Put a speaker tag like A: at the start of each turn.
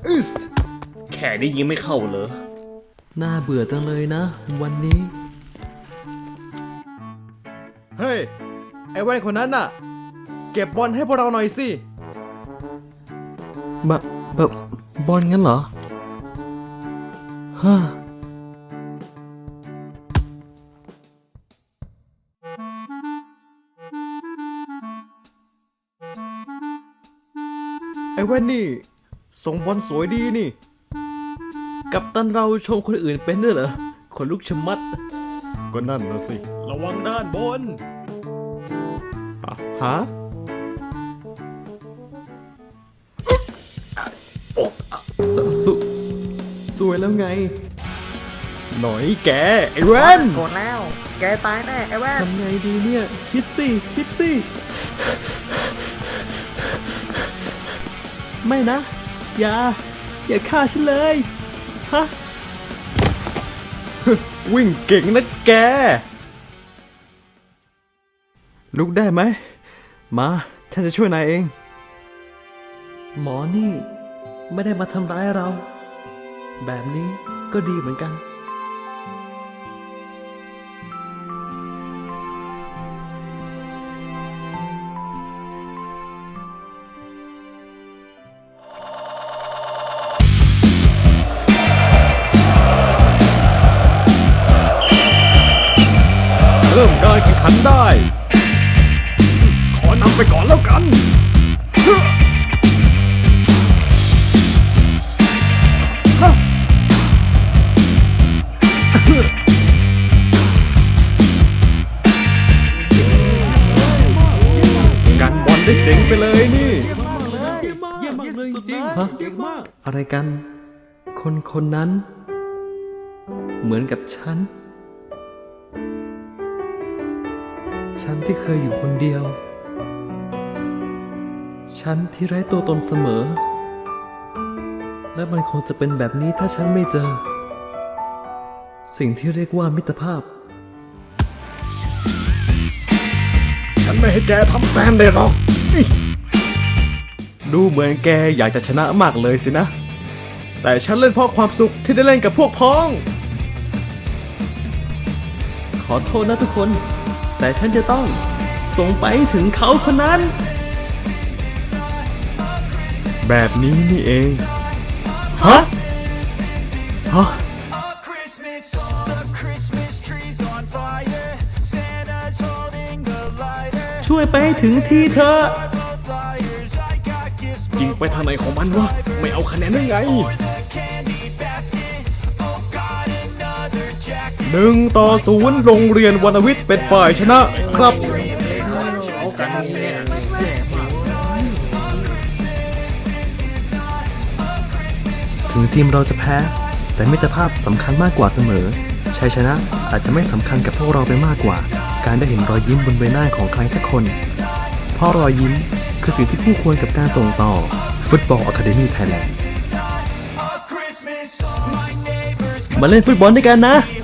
A: อึสแค่ได้ยิงไม่เข้าเหรอ
B: น่าเบื่อจังเลยนะวันนี้
C: เฮ้ยไอ้แว่นคนนั้นน่ะเก็บบอลให้พวกเราหน่อยสิ
B: บอลงั้นเหรอฮ่า
C: ไอ้แว่นนี่ส่งบอลสวยดีนี่
B: กัปตันเราชมคนอื่นเป็นด้วยเหรอคนลุกชะมัด
C: ก็นั่นนะสิระวังด้านบนฮะ
B: สวยแล้วไง
C: หน่อยแกไอ้แว่น
A: โกรธแล้วแกตายแน่ไอ้แว่น
B: ทำไงดีเนี่ยคิดสิไม่นะอย่าฆ่าฉันเลยฮะ
C: วิ่งเก่งนะแกลุกได้ไหมมาฉันจะช่วยนายเอง
B: หมอนี่ไม่ได้มาทำร้ายเราแบบนี้ก็ดีเหมือนกัน
C: เริ่มการแข่งขันได้ขอนำไปก่อนแล้วกันกันบอลได้เจ๋งไปเลยนี่
B: เยี่ยมมากเลยจริงฮะอะไรกันคนนั้นเหมือนกับฉันที่เคยอยู่คนเดียวฉันที่ไร้ตัวตนเสมอและมันคงจะเป็นแบบนี้ถ้าฉันไม่เจอสิ่งที่เรียกว่ามิตรภาพ
C: ฉันไม่ให้แกทำแต้มได้หรอกดูเหมือนแกอยากจะชนะมากเลยสินะแต่ฉันเล่นเพราะความสุขที่ได้เล่นกับพวกพ้อง
B: ขอโทษนะทุกคนแต่ฉันจะต้องส่งไปถึงเขาคนนั้น
C: แบบนี้นี่เอง
B: ฮะช่วยไปถึงที่เธอ
C: ยิงไปทางไหนของมันวะไม่เอาคะแนนได้ไง1-0โรงเรียนวรรณวิทย์เป็นฝ่ายชนะครับ
B: ถึงทีมเราจะแพ้แต่มิตรภาพสำคัญมากกว่าเสมอชัยชนะอาจจะไม่สำคัญกับพวกเราไปมากกว่าการได้เห็นรอยยิ้มบนใบหน้าของใครสักคนเพราะรอยยิ้มคือสิ่งที่คู่ควรกับการส่งต่อฟุตบอลอะคาเดมี่ไทยแลนด์มาเล่นฟุตบอลด้วยกันนะ